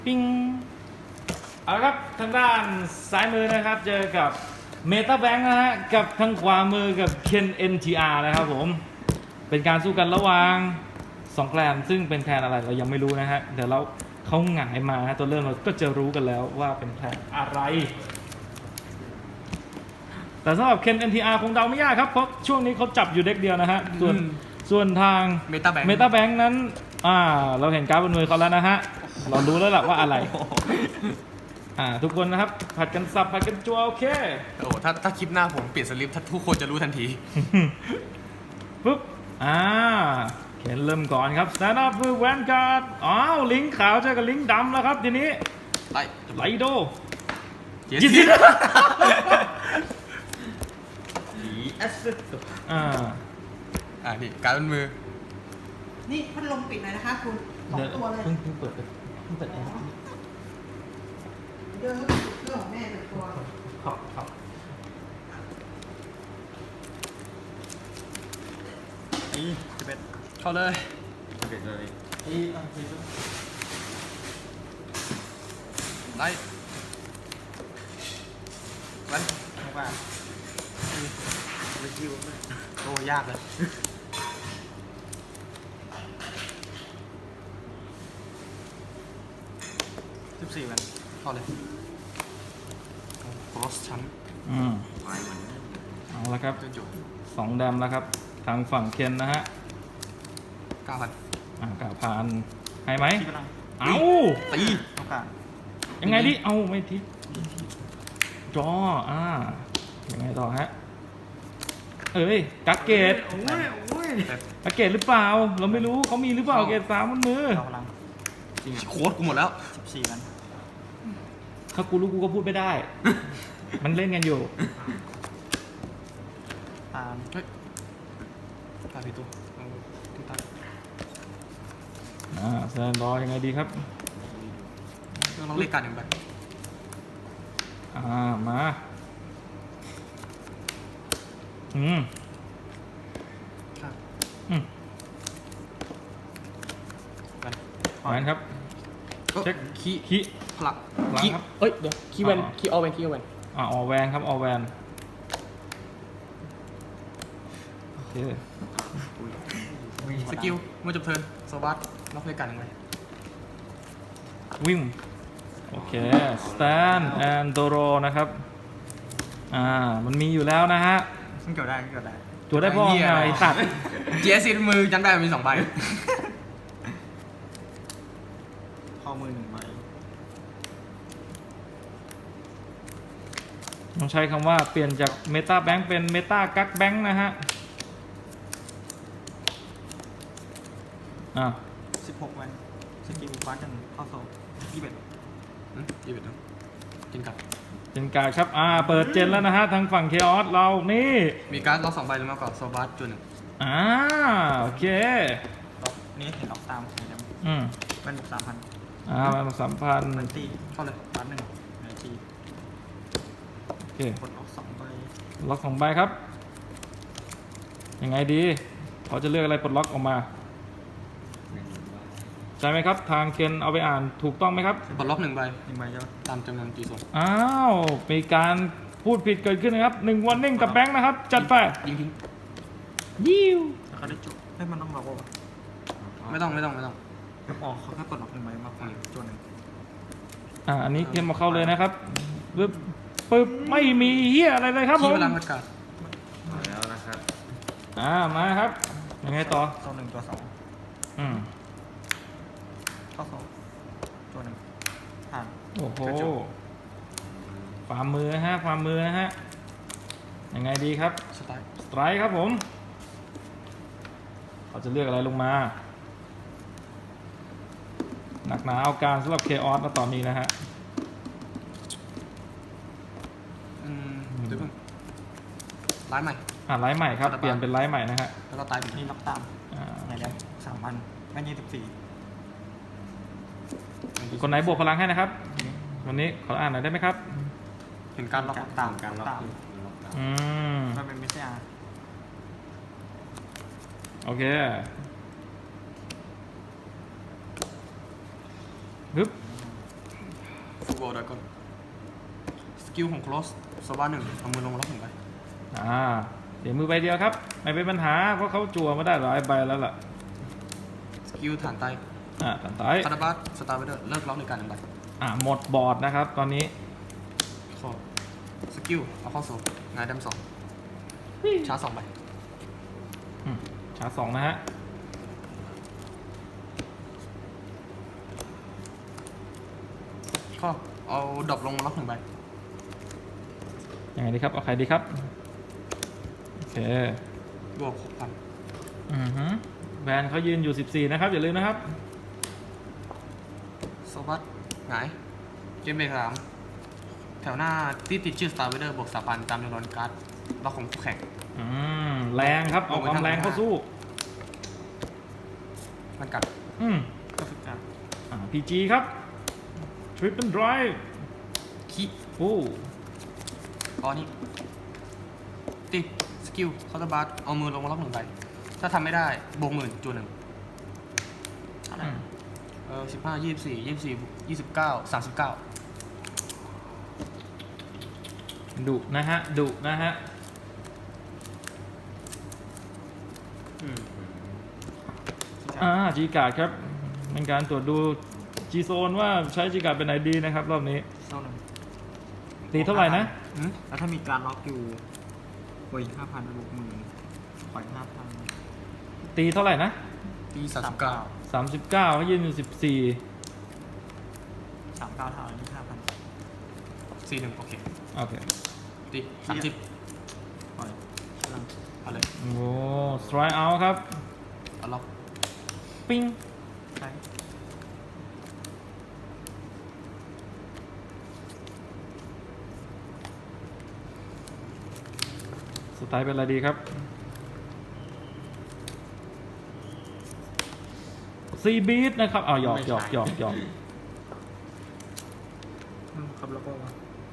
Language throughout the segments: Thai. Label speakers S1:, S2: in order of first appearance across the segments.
S1: ปิ้งเอาละครับทางด้านซ้ายมือนะครับเจอกับเมตาแบงค์นะฮะกับทางขวามือกับเคน NTR นะครับผมเป็นการสู้กันระหว่าง2แคลนซึ่งเป็นแคลนอะไรเรายังไม่รู้นะฮะเดี๋ยวเราเขาหงายมาฮะตัวเริ่มเราก็จะรู้กันแล้วว่าเป็นแคลนอะไรแต่สำหรับเคน NTR คงเดาไม่ยากครับเพราะช่วงนี้เขาจับอยู่เด็กเดียวนะฮะส่วนทาง
S2: เมตาแบงค์
S1: นั้นเราเห็นการ์ดบนมือเขาแล้วนะฮะเรารู้แล้วล่ะว่าอะไรทุกคนนะครับผัดกันสับผัดกันจัวโอเค
S2: โอ้ถ้าคลิปหน้าผมเปลี่ยนสลิปถ้าทุกคนจะรู้ทันที
S1: ปุ๊บเขียนเริ่มก่อนครับ stand up คือแวนการ์ดลิงก์ขาวเจอกับลิงก์ดำแล้วครับทีนี้ไลโด
S2: เจสซี่นี่การเป็นมือ
S3: นี่พัดลมปิดหน่อยนะคะคุณ2 ตัวเลย
S1: เพิ่งเปิดแอร์
S3: เรื่องของแม่1 ตัว
S1: ครับ
S2: จะเป็นเข้าเลยไล่วันว่าโอ้ยากเลย14 วันเข้าเลยครอสชั้น
S1: เอาละครับ
S2: จนจบ
S1: 2แดมแล้วครับทางฝั่งเคนนะฮะ
S2: 9,000
S1: กล่าวผ่านให้ไหมเอา
S2: ตี
S1: ยังไงดิเอาไม่ทิจอยังไงต่อฮะกักเกตกักเกตหรือเปล่าเราไม่รู้เขามีหรือเปล่าเกต3บนมือ
S2: โค้ดกูหมดแล้ว
S4: 14 วัน
S1: ถ้ากูรู้กูก็พูดไม่ได้ มันเล่นกันอยู่
S4: ตาม
S2: เฮ้ยตายพี่ตู้ตู้ตาย
S1: แซนรอยังไงดีครับ
S2: ต้องลองเล่นการอย่างไร
S1: มา
S2: ครับ
S1: แวนครับ เช็ค
S2: ขี้พลัก
S1: หลังครับ
S5: เอ้ยเดี๋ยวคีย์แวนคีย์ออแวนคีย์ออแวน
S1: ออแวนครับออแวนโอเค
S2: สกิลเมื่อจบเทิร์นโซบัสล็อกเล่นการอย่างไร
S1: วิ่งโอเคสแตนแอนโดโรนะครับมันมีอยู่แล้วนะฮะ
S4: ซึ่งเกี่ยวได้
S1: ตัวได้พ่อไงตัด
S2: เจสซี่มือยันได้มี2 ใบ
S4: ข้อมือ1 ใบ
S1: ต้องใช้คำว่าเปลี่ยนจากเมตาแบงค์เป็นเมตากักแบงค์นะฮะ
S4: 16 วันสกิลฟ้ากันเข้าโซ่21
S2: ยี่สิบกินกับ
S1: เป็นการครับเปิดเจนแล้วนะฮะทางฝั่งเคออสเรานี่
S2: มีการ์ดล็อก2 ใบลงมาก่อนโซบัสจุด
S1: โอเค
S4: นี่เห็นออกตามเห็นไหม เป็น3,000
S1: มา3,000
S4: มันตี
S2: เข้าเลย
S4: ฟ้า1ในตี
S1: โอเค
S4: กดออก2 ใบ
S1: ล็อก2 ใบครับยังไงดีเขาจะเลือกอะไรปลดล็อกออกมาใช่ไหมครับทางเคนเอาไปอ่านถูกต้องไหมครับ
S2: ปลดล็อก1 ใบ
S4: 1 ใบเยอะ
S2: ตามจำนวนตีโซน
S1: มีการพูดผิดเกิดขึ้นนะครับ1 วันนิ่งกับแบงค์นะครับจัดไป
S2: ยิงทิ้ง
S1: ยิว
S4: แล้วเขาได้จุดให้มันต้องเราป่ะ
S2: ไม่ต้อง
S4: ออกเขาแค่ปลดล็อก1 ใบมากกว่าจวนหนึ่ง
S1: อันนี้เคนมาเข้าเลยนะครับปึ๊บไม่มีเฮียอะไรเลยครับผ
S2: ขี้
S1: ม
S2: เวลาพัดการ
S4: แล้วนะครับ
S1: มาครับยังไงต่อ
S4: โซ่1 ตัว
S1: อืม
S4: 2เข้าโซ่จวน1ผ่าน
S1: โอ้โหฝ่ามือนะฮะยังไงดีครับ
S2: สไตล์
S1: สไตร์ครับผมเขาจะเลือกอะไรลงมาหนักหนาเอาการสำหรับเคออสมาต่อนี้นะฮะ
S2: เดี๋ยวเพิ่งร้ายใหม่
S1: ไลฟ์ใหม่ครับเปลี่ยนเป็นไลฟ์ใหม่นะฮะ
S2: แล้วก็ตายไป
S4: นี่ล็อกตาม ไหนแล้ว3,000แม่24
S1: คนไหนบวกพลังให้นะครับวันนี้ขออ่านหน่อยได้ไหมครับ
S2: เห็นการล็อก
S4: ตามการล็อกตาม มันเป็นไม่ใช่
S1: โอเคปึ๊บ
S2: วอลดก่อนสกิลของ close โซบ้าหนึ่งเอามือลงล็อกหนึ่งไป
S1: เดี๋ยวมือใบเดียวครับไม่เป็นปัญหาเพราะเขาจั่วมาได้หลายใบแล้วล่ะ
S2: สกิลฐานไต
S1: ตัดต่อย
S2: คาราบัสสตาร์เวเดอร์เลิกล็อกในการหนึ่งใบ
S1: หมดบอร์ดนะครับตอนนี้
S2: ข้อสกิลเอาเข้าโซ่งายดำสองชาร์จสองใบ
S1: ชาร์จ2นะฮะ
S2: ข้อเอาดรอปลงล็อกหนึ่งใบ
S1: ยังไงดีครับเอาใครดีครับโอเค
S2: บวก6,000
S1: แบรนด์เขายืนอยู่ 14นะครับอย่าลืมนะครับ
S2: โซบัสหงายเกมเบรก3แถวหน้าที่ติดชื่อ Star Vader บวก3,000ตามจำนวนการ์ดล็อกของคู่แข่ง
S1: แรงครับเอาความแรงเข้าสู้
S2: มันกัด
S4: ก็ฝึกการ
S1: PG ครับ Triple Drive
S2: ขี้
S1: โอ้
S2: ตอนนี้ติดสกิลเคาน์เตอร์บัสเอามือลงมาล็อกหนึ่งใบถ้าทำไม่ได้บวก10,000จูนหนึ่ง
S4: อะไร
S2: 15 24 24 29 39
S1: ดุนะฮะดุนะฮะ จีการ์ดครับเป็นการตรวจดู G Zone ว่าใช้จีการ์ดเป็นไหนดีนะครับรอบนี้
S4: เท่านั้น
S1: ตีเท่าไหร่นะ
S4: แล้วถ้ามีการล็อกอยู่บวก5,000บวก10,000ปล่อย5,000
S1: ตีเท่าไหร่นะ
S2: ปี 39
S1: 39เขายืนอยู่
S4: 39เท่านี้5,000
S2: 41 โอเค
S1: 14 โอเค
S2: ตี30
S4: ปล่อยพลัง
S2: เอาเลย
S1: โอ้ strike out ครับ
S2: เอาล็อก
S1: ปิ้ง
S4: ใช้
S1: สไตล์เป็นอะไรดีครับ ซีบีทนะครับหยอก
S4: ครับแล้วก็ว่า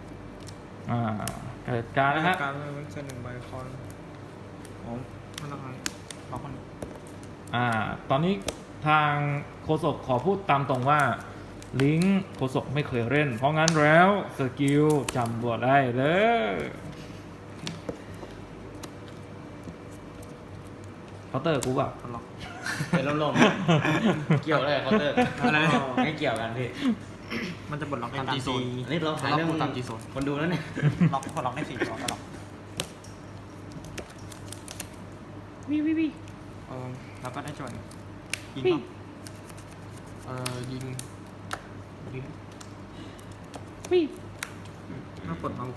S1: เกิดการนะฮะ
S4: การเล่นเส้นหนึ่งใบคอนอ๋อไม่ต้องให้ล็อกคน
S1: ตอนนี้ทางโฆษกขอพูดตามตรงว่า ลิงก์โฆษกไม่เคยเล่น เพราะงั้นแล้วสกิลจำบวได้เลยเคาน์เตอร์กูแบบ
S4: ล็อก
S5: เป็นลมๆ เกี่ยวอะไรกับเคาน์เตอร์
S2: อะไรนะ
S5: ไม่เกี่ยวกันพี่
S4: มันจะบดล็อกใน
S2: ตาม
S4: การ
S2: G
S4: ตี
S2: zone
S5: อันนี้เราหาเรื่อง
S2: ตาม G zone
S5: คนดูแล้วเนี่ย
S4: ล็อกพอล็อกได้4ตัวก็ล็อก
S1: วิ
S4: แล้วก็ได้จอยยิง
S1: พี่
S2: ยิง
S1: วิ
S4: ถ้ากดมา4,000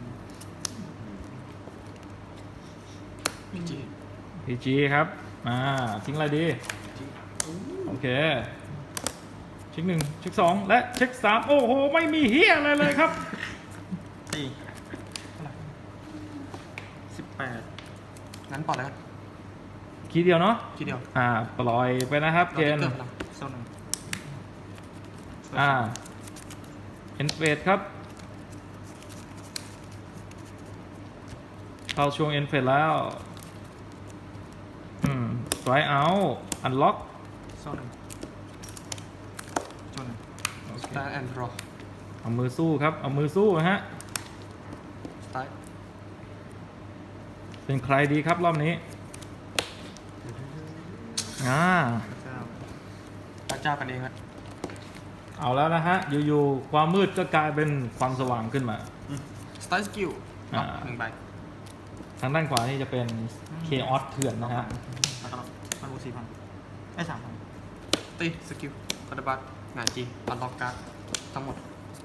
S2: จี
S1: PG ครับ ทิ้งอะไรดี โอเค เช็ค1เช็ค2และเช็ค3โอ้โห ไม่มีเฮียอะไรเลยครับ
S4: ตี18
S2: งั้นปล่อยแล้วกัน
S1: คีย์เดียวเนาะ
S2: ทีเดียว
S1: ปล่อยไปนะครับเกณฑ์
S2: เราจะเกิดพลัง
S4: โซนหนึ่ง
S1: เอ็นเฟสครับ เข้าช่วงเอ็นเฟสแล้วสไตร์เอาอันล็อก
S4: โซนหนึ่งโซนหนึ่ง
S2: สตาร์แอนด์รอ
S1: เอามือสู้ครับ เอามือสู้ฮะ
S2: สตาร์
S1: เป็นใครดีครับรอบนี้
S4: เจ้า
S2: พระเจ้ากันเองครับ
S1: เอาแล้วนะฮะ อยู่ๆความมืดก็กลายเป็นความสว่างขึ้นมา
S2: สตาร์สกิลล็อกหนึ่งใบ
S1: ทางด้านขวานี่จะเป็นเคออสเถื่อนนะฮะ
S4: แล้วก็มันบวก4,000ได้3,000
S2: ตีสกิลคาร์ดบัสงานจีอันล็อกการ์ดทั้งหมด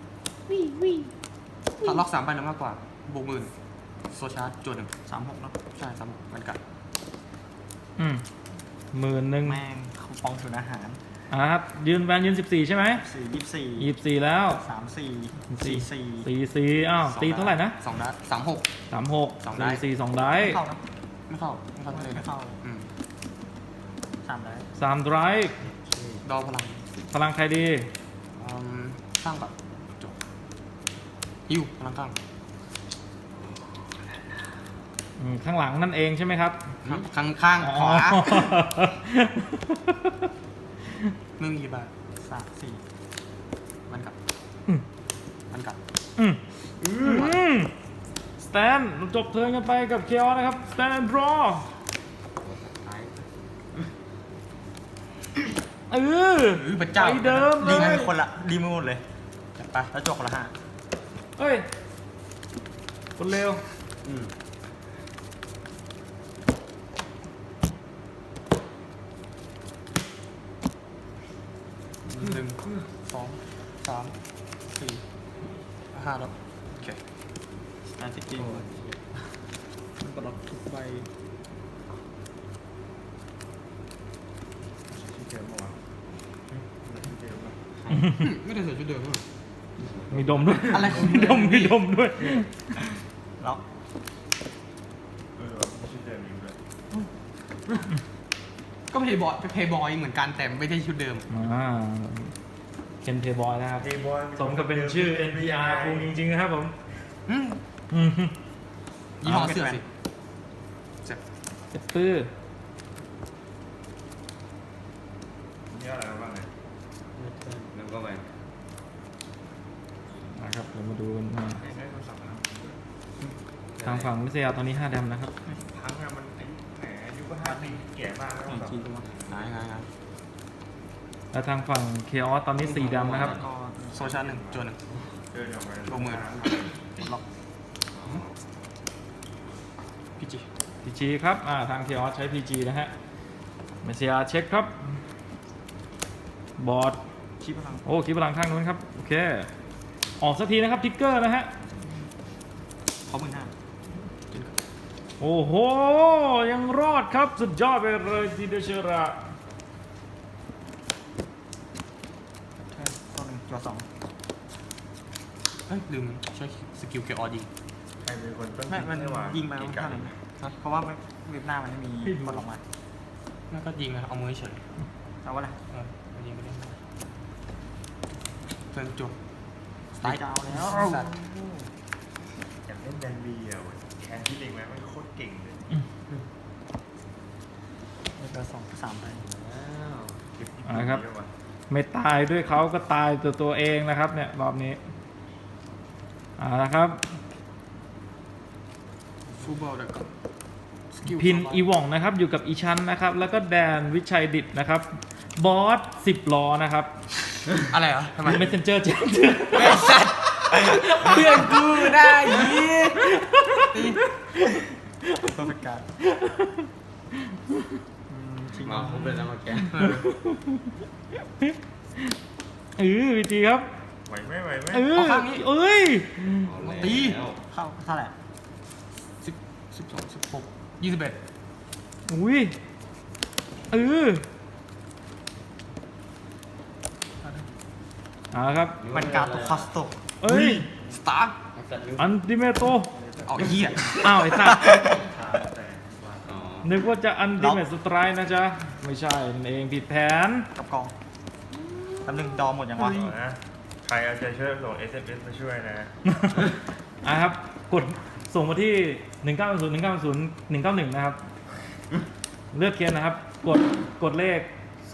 S2: ถ้าล็อก3ใบหรือมากกว่าบวก10,000โซชาร์จจวนหนึ่ง
S4: 36เนาะ
S2: ใช่ซ้ำมันกัด
S1: 10,000
S4: แม่งคูปองศูนย์อาหาร
S1: ครับยืนแบนยืน14 ใช่ไหม
S4: 4
S1: 24 แล้ว
S4: 24 44
S1: 44อ้าวตีเท่าไหร่นะ
S2: 2ได้36
S1: 36
S2: สองได้
S1: 44 2ได้
S4: ไม่เข้านะ
S2: ไม่เข้าเลย
S4: ไม่เข้า
S2: อืม
S4: 3ได้
S1: 3 ไดรฟ์
S2: ดอพลัง
S1: พลังใครดี
S2: สร้างแบบจบฮิวพลังข้าง
S1: ข้างหลังนั่นเองใช่ไหมครับ
S2: ข้างขวามึงกี่บาท
S4: 3 4
S2: มันกัด
S1: สแตนจบเทิร์นกันไปกับเคออสนะครับสแตนดรอ
S2: พระเจ้า
S1: ไปเดิมเล
S4: ดี
S1: ย
S4: มือคนละดีมือหมดเลยไปแล้วจบคนละ5
S1: เฮ้ยคนเร็ว
S2: 1 2 3 4 5แล้วโอเค
S4: สแตนสกิลปลดทุกใบ
S5: ที่เจอเมื่อวานที่เจอเมื่อวาน
S2: ไม่ได้ใส่ชุดเดิมหรอ
S1: มีดมด้วย
S2: อะไร
S1: มีดมด้วย
S4: ล็อก
S5: ไม่ใช่เจอนิ้วเลย
S2: ก็เพย์บอยเหมือนกันแต่ไม่ได้ชุดเดิม
S1: เคนเพย์บอยนะครับ
S5: เดย์บอย
S1: สมกับเป็นชื่อ NPR ภูมิจริงๆนะครับผม
S2: ยี่ห้อเสื้อสิเจ็บ
S1: เจ็บปื้อ
S5: นี่อะไรบ้างไงนึกว่าไป
S1: นะครับเรามาดูกันว่า
S5: ให้โทรศัพท์นะ
S1: ทางฝั่งมิสยาตอนนี้5 แดมนะครับ
S5: พังอะมันอายุก็5 ปีแก่มากแล้วแบบ
S4: ทีตัว
S2: งาย
S1: และทางฝั่งเคออสตอนนี้4 แดมนะครับ
S4: ก็
S2: โซชาร์1จวน
S5: เดินออกมา
S2: ลงมือ
S4: ล็อก
S2: พี่จี
S1: PG ครับทางเคออสใช้ PG นะฮะมิสยาเช็คครับ บอร์ด
S4: คีพลัง
S1: โอ้คิดพลังข้างนู้นครับ โอเค ออกสักทีนะครับทิกเกอร์นะฮะ
S4: เขา15,000
S1: โอ้โห ยังรอดครับ สุดยอดไปเลยทีเดชระ
S4: ใช่ตัว1ตัว2
S2: เฮ้ยลืมใช้สกิลเกียร์ออดี
S5: ใครเป็นคนต้น
S4: ไม่มัน
S5: ไม่ว่า
S4: ยิงไปมันเท่านั้นเพราะว่าเว็บหน้ามันไม่มีกดออกมา
S2: นั่นก็ยิงนะเอามือเฉย
S4: เอาว่าอะไร
S2: เอายิงไปได้เพิ่งจบ
S4: ตายจะเอาแล้ว
S2: สัตว์
S5: อยากเล่นแดนบีอ่ะแคนที่เล็งไหมมันโคตรเก่งเลย
S4: ตัว2 3ไป
S5: เก็บที่
S1: ครับ
S5: เยอะว่ะ
S1: ไม่ตายด้วยเขาก็ตายตัวเองนะครับเนี่ยรอบนี้ละครับ
S2: ฟูบอลเด็กสกิล
S1: พินอีว่องนะครับอยู่กับอีชันนะครับ แล้วก็แดนวิชัยดิตนะครับ บอส10 ล้อนะครับ
S2: อะไรเหรอทำไม
S1: เมสเซนเจอร์เจน
S2: ไอ้สัตว์เพื่อนกูได้ยีตี
S4: ตัวเป็นการชิง
S5: มาผมเป็นแล้วมาแก
S1: วิธีครับ
S5: ไหวไหมไหวไหม
S1: เอ้ย
S2: ตี
S4: เข้าเท่าไหร่
S2: 12 16 21
S1: อุ้ยครับ
S4: มันการตัวคอสโต
S1: เอ้ย
S2: สตาร์
S1: อันติเมโต
S2: เอาเหี้ย
S1: อ้าวไอ้สัตว์
S5: อ๋อ
S1: นึกว่าจะอันติเมตสไตร์นะจ๊ะ ไม่ใช่นั่นเองผิดแผน
S4: กับกองแป๊บนึงดอหมดยังวะ
S5: นะใครเอาใจช่วยส่ง SMS มาช่วยนะ
S1: ครับ กดส่งมาที่ 190191นะครับ เลือกเคียนนะครับ กดเลข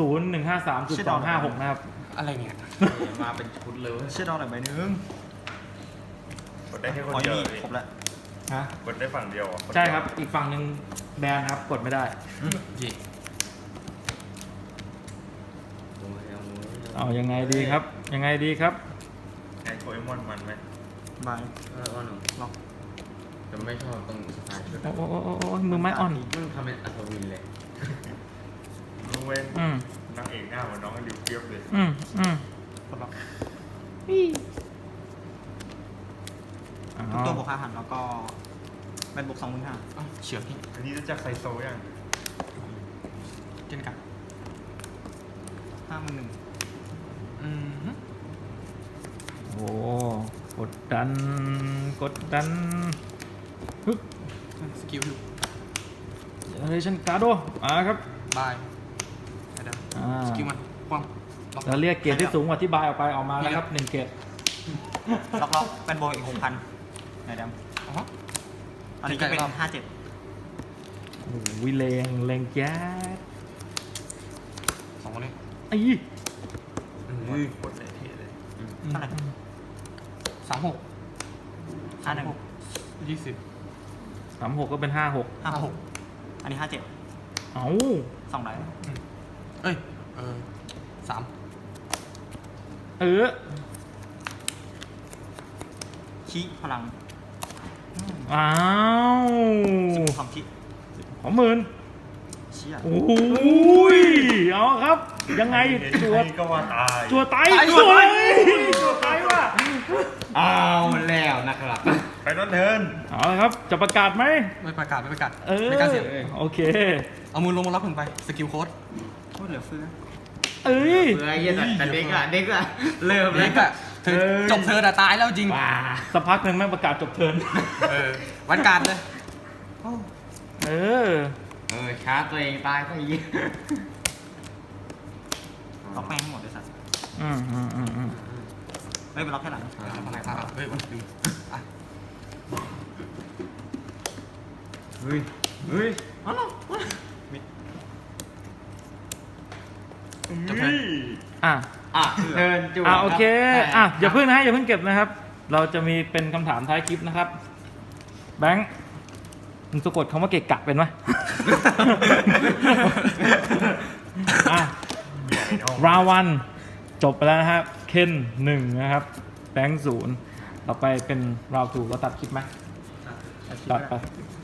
S1: 0153.256 นะครับ
S2: อะไรเนี่ย
S5: มาเป็นชุดเลย
S4: เชื่อดอหน่อยใบนึง
S5: กดได้แค่คน
S4: อ๋อ
S5: เดียว
S4: นี่
S5: เลย
S4: ครบแล้ว
S1: ฮะ
S5: กดได้ฝั่งเดียวอ่ะ
S1: ใช่ครับ อีกฝั่งหนึ่งแบนครับ กดไม่ได้
S2: เย่
S1: เอายังไงดีครับ ยังไงดีครับ
S5: ไงโคเอมอนมันไหม
S4: บาย
S5: อ่อน
S4: ล็อก
S5: แต่ไม่ชอบตรงสไตล์ชุด
S1: โอ้มือไม้อ่อน
S5: มึงทำเป็นอัศวินเลยลุงเว้น
S1: อืม
S5: นางเอกหน้าเหมือนน้องดิวเปียบเลย
S4: กดล็อก
S1: อ๋
S4: ทุกตัวบ
S1: อ
S4: วก5,000แล้วก็เป็นบวก25,000
S2: เฉียบพี่
S5: อันนี้รู้จักไซโซยัง
S2: เจนกัน
S4: 51,000
S1: โอ้กดดัน ฮึบ
S2: สกิลอยู่
S1: เจเนเรชั่นการ์โดครับ
S2: บายไปเดิมสกิลมันคว่ำล็อก
S1: แล้วเรียกเกรดที่สูงกว่าที่บายออกไปออกมาแล้วครับ1 เกรด
S4: ล็อกเป็นบวกอีก 6,000ไหนดำ
S2: อ๋อ
S4: อันนี้จะเป็น
S2: ตีไก่รอบ
S4: 57
S1: โอ้วิเลงแจ๊ด
S2: 2คนนี้
S1: ไอ้
S5: โคตรเลยเท่เลย
S4: เท่าไหร่
S2: 36
S4: 51
S2: 20
S1: 36ก็เป็น 56
S4: 56อันนี้57
S1: เอ้า
S4: 2ได้
S2: เอ้ย3
S1: เออ
S4: ขี้พลัง
S1: อ้าว
S4: 12ขี้
S1: ของหมื่น
S4: เชี่ย
S1: โอ้ยเอาครับ ยังไง
S5: เห็น
S1: จัว
S5: ใครก็ว่าตาย
S1: จัวไตจัวไตว่ะ
S4: เอาแล้วนะครับ
S5: ไปนอนเทิร์น
S1: เอาละครับ จะประกาศไหม
S2: ไม่ประกาศ
S1: เออ
S2: ไม่กล้าเสียง
S1: โอเค
S2: เอามือลงมาล็อก1ใบสกิลโค้ด
S4: โคตรเหลือเฟือ
S1: เอ้ย
S4: เฟือเยี่ยแต่เด็กอะเริ่ม
S2: เล็กอะเธอจบเธอแต่ตายแล้วจริง
S1: ว้าสักพักหนึ่งแม่งประกาศจบเทิร์น
S2: วันการเลย
S1: เออ
S4: ชาร์จตัวเองตายก็ยี่ล็อกแม่งให้หมดเลยสัตว์
S1: อืม
S4: ไม่เป็นล็อกแค่หลัง
S2: เฮ้ยวันปีอ่ะ
S4: เฮ้ยอ๋อ
S2: จบเทิร์น
S1: อ่ะ
S4: เดินจู่
S1: โอเค อย่าเพิ่งนะอย่าเพิ่งเก็บนะครับ เราจะมีเป็นคำถามท้ายคลิปนะครับ แบงค์มึงสะกดคำว่าเกะกะเป็นไหม อ่ะ ราววันจบไปแล้วนะครับ เคน1นะครับ แบงค์0ต่อไปเป็นราว2ก็ตัดคลิปไหมตัดไป